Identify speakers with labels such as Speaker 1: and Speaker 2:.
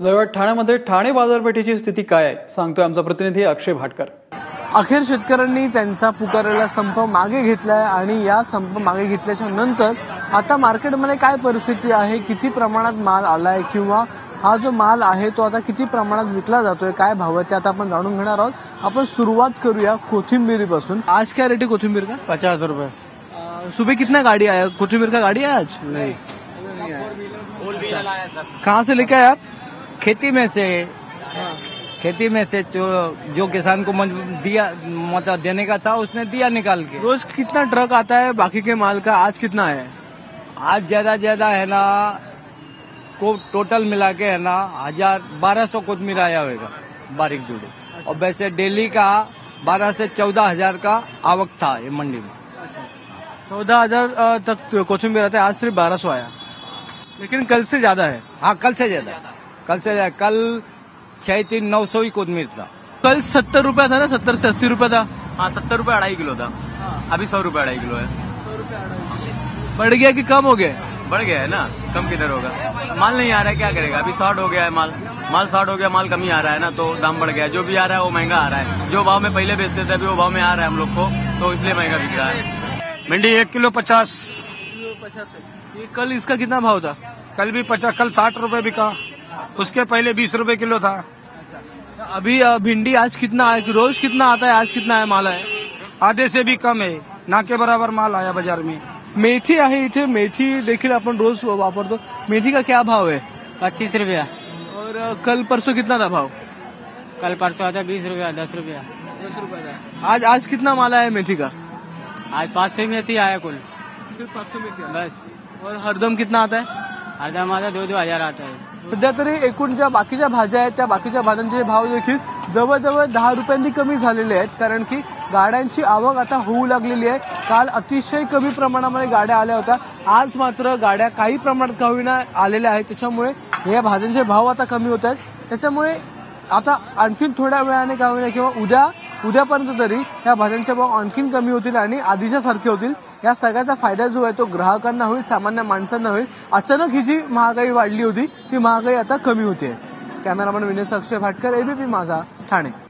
Speaker 1: जवळ ठाण्यामध्ये ठाणे बाजारपेठेची स्थिती काय आहे सांगतोय आमचा प्रतिनिधी अक्षय भाटकर।
Speaker 2: अखेर शेतकऱ्यांनी त्यांचा पुकारलेला संप मागे घेतलाय आणि या संप मागे घेतल्याच्या नंतर आता मार्केटमध्ये काय परिस्थिती आहे, किती प्रमाणात माल आलाय किंवा हा जो माल आहे तो आता किती प्रमाणात विकला जातोय, काय भाव आहे ते आता आपण जाणून घेणार आहोत। आपण सुरुवात करूया कोथिंबीरीपासून। आज क्या रेट है कोथिंबीर का?
Speaker 3: 50 रुपए।
Speaker 2: सुबह कितना गाड़ी आया कोथिंबीर का? गाड़ी आया आज
Speaker 3: नहीं,
Speaker 2: कहाँ से लेके आए आप?
Speaker 3: खेती में से जो किसान को दिया मतलब देने का था उसने दिया निकाल के।
Speaker 2: रोज कितना ट्रक आता है बाकी के माल का? आज कितना है?
Speaker 3: आज ज्यादा है ना, को टोटल मिला के है ना 1200 कोथिंबीर आया होगा बारीक जोड़े। और वैसे डेली का 12 से 14,000 का आवक था ये मंडी में।
Speaker 2: 14,000 तक कोथिंबीर आता है, आज सिर्फ 1200 आया, लेकिन कल से ज्यादा है।
Speaker 3: हाँ, कल 6-3-900 ही कोथिंबीर था।
Speaker 2: कल 70 रुपया था ना, 70 से 80 रुपया था।
Speaker 4: हाँ, 70 रुपये 2.5 किलो था। अभी 100 रुपये 2.5 किलो है।
Speaker 2: बढ़ गया कि कम हो गया?
Speaker 4: बढ़ गया है ना, कम किधर होगा, माल नहीं आ रहा है, क्या करेगा। अभी शॉर्ट हो गया है माल शॉर्ट हो गया, माल कम ही आ रहा है ना, तो दाम बढ़ गया है। जो भी आ रहा है वो महंगा आ रहा है। जो भाव में पहले बेचते थे अभी वो भाव में आ रहा है हम लोग को, तो इसलिए महंगा बिक रहा है।
Speaker 5: भिंडी 1 किलो 50।
Speaker 2: ये कल इसका कितना भाव था?
Speaker 5: कल भी 50, कल 60 रुपए बिका, उसके पहले 20 रुपए किलो था।
Speaker 2: अभी भिंडी आज कितना है? रोज कितना आता है, आज कितना है माल है?
Speaker 5: आधे से भी कम है, ना के बराबर माल आया बाजार में।
Speaker 2: मेथी आहे इथे, मेथी देखील आपण रोज वापरतो। मेथी का क्या भाव है?
Speaker 6: 25 रुपया।
Speaker 2: और कल परसों कितना था भाव?
Speaker 6: कल परसों आता 20 रुपया, 10 रुपया।
Speaker 2: 10 रुपया था। आज कितना माल आया मेथी का?
Speaker 6: आज 500 मेथी आया कुल,
Speaker 2: सिर्फ 500 मेथी
Speaker 6: बस।
Speaker 2: और हरदम कितना आता है?
Speaker 6: हरदम आता 2-2 हजार आता है।
Speaker 2: सध्या तरी एकूण ज्या बाकीच्या भाज्या आहेत त्या बाकीच्या भाज्यांचे भाव देखील जवळजवळ 10 रुपयांनी कमी झालेले आहेत, कारण की गाड्यांची आवक आता होऊ लागलेली आहे। काल अतिशय कमी प्रमाणामध्ये गाड्या आल्या होत्या, आज मात्र गाड्या काही प्रमाणात का होईना आलेल्या आहेत, त्याच्यामुळे या भाज्यांचे भाव आता कमी होत आहेत। त्याच्यामुळे आता आणखीन थोड्या वेळाने का होईना किंवा उद्यापर्यंत तरी या भाज्यांचे भाव आणखीन कमी होतील आणि आधीच्या सारखे होतील। या सगळ्याचा फायदा जो आहे तो ग्राहकांना होईल, सामान्य माणसांना होईल। अचानक ही जी महागाई वाढली होती ती महागाई आता कमी होते। Cameraman Vinay Akshay Bhatkar, ABP Majha, Thane.